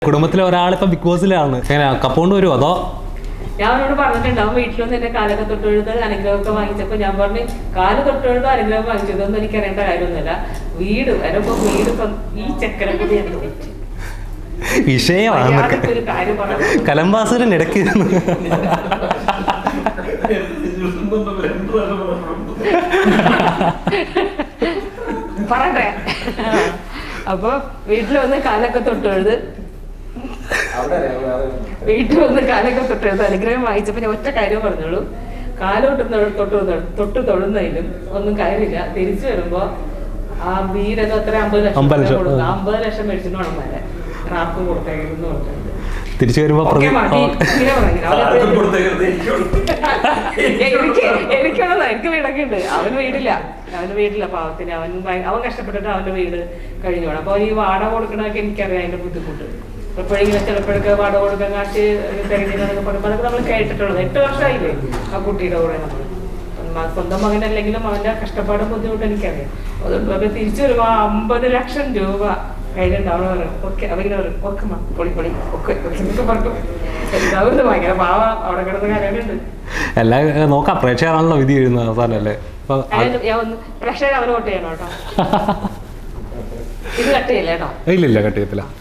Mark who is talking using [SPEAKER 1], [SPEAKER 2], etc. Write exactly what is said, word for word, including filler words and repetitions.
[SPEAKER 1] കുടുംബത്തിലെ ഒരാളിപ്പോ ബിഗ് ബോസിലാണ്. എങ്ങനെ കപ്പോണ്ട് വരുമോ അതോ?
[SPEAKER 2] ഞാൻ അവനോട് പറഞ്ഞിട്ടുണ്ടാവും വീട്ടിലൊന്നും എന്റെ കാലൊക്കെ തൊട്ടെഴുത് അനുഗ്രഹമൊക്കെ വാങ്ങിച്ചപ്പോ ഞാൻ പറഞ്ഞു കാല് തൊട്ടെഴുതോ അനുഗ്രഹം വാങ്ങിച്ചതൊന്നും എനിക്ക് അറിയേണ്ട കാര്യമൊന്നുമില്ല. വീട് വരപ്പോ വീട് ഈ ചക്കരെ കൂടി
[SPEAKER 1] വിഷയമാണ്
[SPEAKER 2] ഒരു കാര്യം പറഞ്ഞു.
[SPEAKER 1] കലംബാസുരൻ ഇടയ്ക്ക്
[SPEAKER 2] പറയട്ടെ. അപ്പൊ വീട്ടിൽ വന്ന് കാലൊക്കെ തൊട്ടെഴുത് വീട്ടിൽ വന്ന് കാലൊക്കെ തൊട്ടെഴുത് അനുഗ്രഹം വായിച്ചപ്പോ ഞാൻ ഒറ്റ കാര്യം പറഞ്ഞോളൂ, കാലോട്ട് തൊട്ട് തൊട്ട് തൊഴുന്നതിലും ഒന്നും കാര്യമില്ല. തിരിച്ചു വരുമ്പോ ആ വീരത് അത്ര അമ്പത് ലക്ഷം കൊടുക്കും. അമ്പത് ലക്ഷം മേടിച്ചിട്ട് വേണം വരെ റാപ്പ് കൊടുത്തേക്കെന്ന് പറഞ്ഞിട്ടുണ്ട്.
[SPEAKER 1] തിരിച്ചു വരുമ്പോ
[SPEAKER 2] എനിക്ക് എനിക്കുള്ളതാ, എനിക്ക് വീടൊക്കെ ഉണ്ട്. അവന് വീടില്ല, അവന് വീടില്ല പാവത്തിന്. അവൻ അവൻ കഷ്ടപ്പെട്ടിട്ട് അവന്റെ വീട് കഴിഞ്ഞു പോകണം. അപ്പൊ ഈ വാടക കൊടുക്കണതൊക്കെ എനിക്കറിയാം അതിന്റെ ബുദ്ധിമുട്ട്. എപ്പോഴെങ്കിലും ചിലപ്പോഴൊക്കെ വാടക കൊടുക്കാൻ കാശ് തിരഞ്ഞെടുക്കുന്നതൊക്കെ പറയുമ്പോൾ അതൊക്കെ നമ്മൾ കേട്ടിട്ടുള്ളത്. എട്ട് വർഷമായില്ലേ ആ കുട്ടിയുടെ കൂടെ നമ്മൾ. സ്വന്തം മകനല്ലെങ്കിലും അവന്റെ കഷ്ടപ്പാടും ബുദ്ധിമുട്ടും എനിക്കറിയാം. അതുകൊണ്ട് അവർ തിരിച്ചു വരുമ്പോ അമ്പത് ലക്ഷം രൂപ കയ്യിലുണ്ടാവണം പറയും. ഓക്കെ അവരിങ്ങനെ പറയും ഓക്കെ മാ പൊളി പൊളി ഒക്കെ ഒക്കെ പറഞ്ഞു. എല്ലാവരും ഭയങ്കര പാവ അവിടെ കിടന്ന കാര്യമുണ്ട്.
[SPEAKER 1] എല്ലാം നോക്കാം, പ്രേക്ഷകരാണല്ലോ വിധി എഴുതുന്നത് അവസാനല്ലേ.
[SPEAKER 2] ഞാൻ ഒന്ന് പ്രേക്ഷകർ അവന് വോട്ട് ചെയ്യണം കേട്ടോ. ഇത് കട്ട് ചെയ്യില്ല കേട്ടോ.
[SPEAKER 1] ഇല്ല ഇല്ല കട്ട് ചെയ്യത്തില്ല.